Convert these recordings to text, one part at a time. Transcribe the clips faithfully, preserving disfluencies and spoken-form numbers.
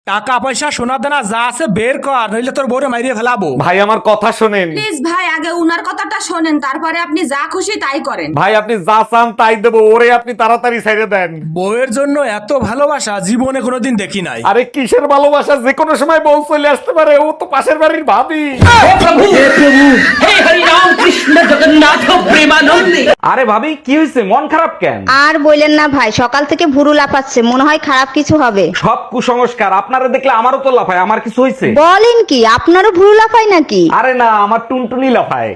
টাকা পয়সা সোনা দানা যা আছে বের কর, নইলে তোর বউরে মাইরিয়ে ফেলাবো। ভাই আমার কথা শোনেন। প্লিজ ভাই, আগে উনার কথাটা শোনেন, তারপরে আপনি যা খুশি তাই করেন। ভাই আপনি যা চান তাই দেবো, ওরে আপনি তাড়াতাড়ি ছেড়ে দেন। বউয়ের জন্য এত ভালোবাসা জীবনে কোনোদিন দেখি নাই। আরে কিসের ভালোবাসা, যে কোনো সময় বউ চলে আসতে পারে, ও তো পাশের বাড়ির ভাবি। আরে ভাবি কি হয়েছে, মন খারাপ কেন? আর বললেন না ভাই, সকাল থেকে ভুরু লাফাচ্ছে, মনে হয় খারাপ কিছু হবে। সব কুসংস্কার, আপনারা দেখলে আমারও তো লাফায়। আমার কিছু হয়েছে? বলেন কি, আপনারও ভুরু লাফায় নাকি? আরে না, আমার টুনটুনি লাফায়।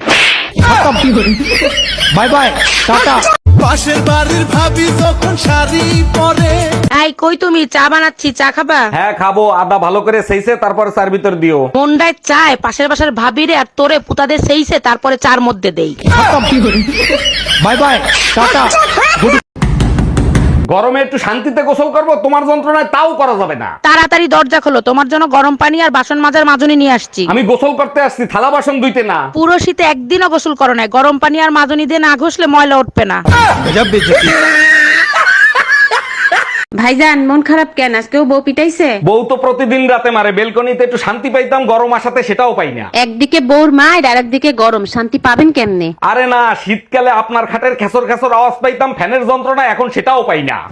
Bye bye, tata. পাশের বাড়ির ভাবি যখন শাড়ি পরে। এই কই তুমি? চা বানাচ্ছি, চা খাবা? হ্যাঁ খাবো, আদা ভালো করে সেইছে তারপরে চার ভিতর দিও। মন্ডায় চায় পাশের বাসার ভাবিরে আর তোরে পুতাদের সেইছে তারপরে চার মধ্যে দেই। Bye bye, tata. গরমে একটু শান্তিতে গোসল করবো, তোমার যন্ত্রণায় তাও করা যাবে না। তাড়াতাড়ি দরজা খোলো, তোমার জন্য গরম পানি আর বাসন মাজার মাজনি নিয়ে আসছি। আমি গোসল করতে আসছি, থালা বাসন ধুইতে না। পুরো শীতে একদিনও গোসল করো না, গরম পানি আর মাজনি দিয়ে না ঘষলে ময়লা উঠবে না। ভাইজান মন খারাপ কেন? আজকেও বউ পিটাইছে? বউ তো প্রতিদিন রাতে মারে, বেলকনিতে একটু শান্তি পাইতাম, গরম আসাতে সেটাও পাই না। একদিকে বউর মায়ের আর একদিকে গরম, শান্তি পাবেন কেমনে? আরে না, শীতকালে আপনার খাটের খেসর খেসর আওয়াজ পাইতাম, ফ্যানের যন্ত্রণা এখন সেটাও পাই না।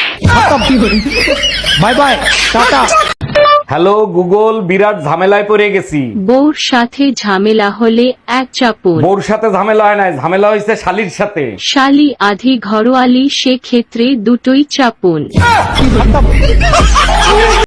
Bye bye, tata. Hello Google, বিরাট ঝামেলায় পড়ে গেছি। বউর সাথে ঝামেলা হলে এক চাপুন, বউর সাথে ঝামেলা হয় নাই, ঝামেলা হয়েছে শালির সাথে। শালি আধি ঘরোয়ালি, সে ক্ষেত্রে দুটোই চাপুন।